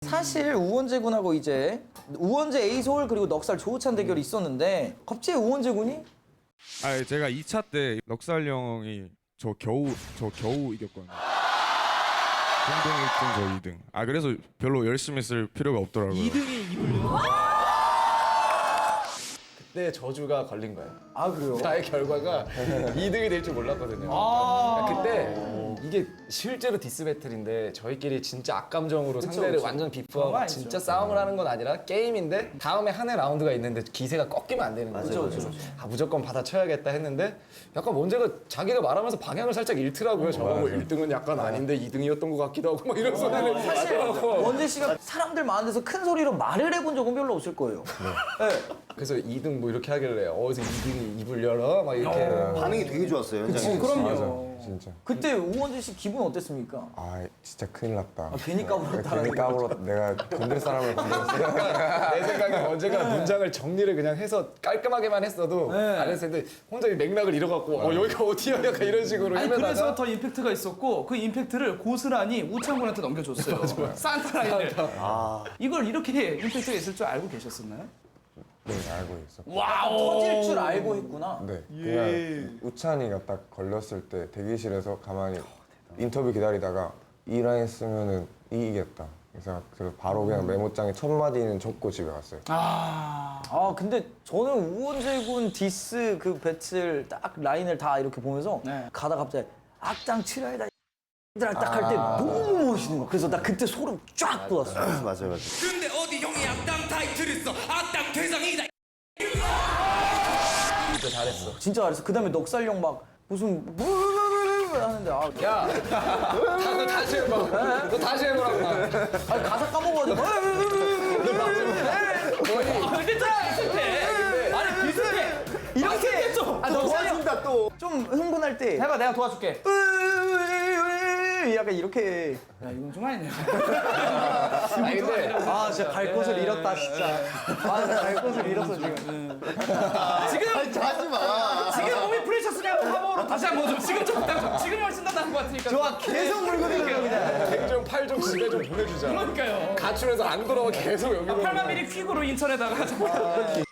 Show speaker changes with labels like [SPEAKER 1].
[SPEAKER 1] 사실 우원재 군하고 이제 우원재 에이솔 그리고 넉살 조우찬 대결이 있었는데 갑자기 우원재 군이
[SPEAKER 2] 아 제가 2차 때 넉살 형이 저 겨우 이겼거든요. 공동 1등 저 2등. 아 그래서 별로 열심히 쓸 필요가 없더라고요.
[SPEAKER 3] 2등이 이불려.
[SPEAKER 4] 그때 저주가 걸린 거예요.
[SPEAKER 1] 아 그래요?
[SPEAKER 4] 나의 결과가 2등이 될 줄 몰랐거든요. 그때 이게 실제로 디스 배틀인데 저희끼리 진짜 악감정으로 상대를
[SPEAKER 1] 그쵸.
[SPEAKER 4] 완전
[SPEAKER 1] 그런 거
[SPEAKER 4] 비프하고
[SPEAKER 1] 아니죠.
[SPEAKER 4] 진짜 싸움을 하는 건 아니라 게임인데 다음에 한 해 라운드가 있는데 기세가 꺾이면 안 되는 거죠. 그래서 아, 무조건 받아쳐야겠다 했는데 약간 원재가 자기가 말하면서 방향을 살짝 잃더라고요. 저거 1등은 약간 아닌데 2등이었던 것 같기도 하고 막 이런 소리를
[SPEAKER 1] 사실 원재 씨가 사람들 많은 데서 큰 소리로 말을 해본 적은 별로 없을 거예요. 네.
[SPEAKER 4] 그래서 2등 뭐 이렇게 하길래 어디서 2등이 입을 열어 막 이렇게
[SPEAKER 5] 반응이 되게 좋았어요. 현장에서.
[SPEAKER 1] 그럼요.
[SPEAKER 6] 진짜.
[SPEAKER 1] 그때 우원재 씨 기분 어땠습니까?
[SPEAKER 6] 아 진짜 큰일 났다.
[SPEAKER 1] 괜히 까불었다.
[SPEAKER 6] 괜히 까불었다. 내가 건들 사람을 건드렸어.
[SPEAKER 4] 내 생각에 원재가 문장을 정리를 그냥 해서 깔끔하게만 했어도 안 했을 텐데 혼자 이 맥락을 잃어갖고 여기가 어디야 약간 이런 식으로
[SPEAKER 3] 아니
[SPEAKER 4] 헤매다가
[SPEAKER 3] 그래서 더 임팩트가 있었고 그 임팩트를 고스란히 우창군한테 넘겨줬어요. 산타 라인을. 이걸 이렇게 임팩트가 있을 줄 알고 계셨었나요?
[SPEAKER 6] 네 알고 있어.
[SPEAKER 1] 터질 줄 알고 했구나.
[SPEAKER 6] 네 그냥 우찬이가 딱 걸렸을 때 대기실에서 가만히 인터뷰 기다리다가 이 라인 쓰면은 이기겠다. 그래서 바로 그냥 메모장에 첫 마디는 적고 집에 갔어요.
[SPEAKER 1] 아 근데 저는 우원재 군 디스 그 배틀 딱 라인을 다 이렇게 보면서
[SPEAKER 3] 네.
[SPEAKER 1] 가다 갑자기 악당 칠하이다 들아 딱 할 때 너무 멋있는 거야. 그래서 나 그때 소름 쫙 돋았어.
[SPEAKER 5] 맞아요.
[SPEAKER 7] 근데 어디 형이 악당 타이틀 있어 악당 대장이다
[SPEAKER 4] 진짜 잘했어.
[SPEAKER 1] 진짜 잘했어. 그다음에 넉살용 막 무슨 하는데
[SPEAKER 4] 야, 너 다시 해봐. 너 다시 해보라고.
[SPEAKER 1] 아니 가사 까먹어가지고
[SPEAKER 3] 비슷해. 아니 비슷해.
[SPEAKER 1] 이렇게
[SPEAKER 5] 도와준다 또.
[SPEAKER 1] 좀 흥분할 때
[SPEAKER 3] 해봐 내가 도와줄게.
[SPEAKER 1] 약간 이렇게
[SPEAKER 3] 야 이건 좀 아니네.
[SPEAKER 4] 아니 근데
[SPEAKER 1] 아 진짜 갈 곳을 잃었다 진짜. 아 진짜 갈 곳을 잃었어 지금.
[SPEAKER 3] 지금
[SPEAKER 5] 하지 마.
[SPEAKER 3] 지금 몸이 프레셔스냐고 하모로 다시 한번 좀 지금 좀 지금 훨씬 더 나은 것 같으니까.
[SPEAKER 1] 좋아 계속 물고 들어요 그냥.
[SPEAKER 4] 백종 팔종 집에 좀 보내주잖아.
[SPEAKER 3] 그러니까요.
[SPEAKER 4] 가출해서 안 돌아오면 계속 여기로.
[SPEAKER 3] 8만 미리 퀵으로 인천에다가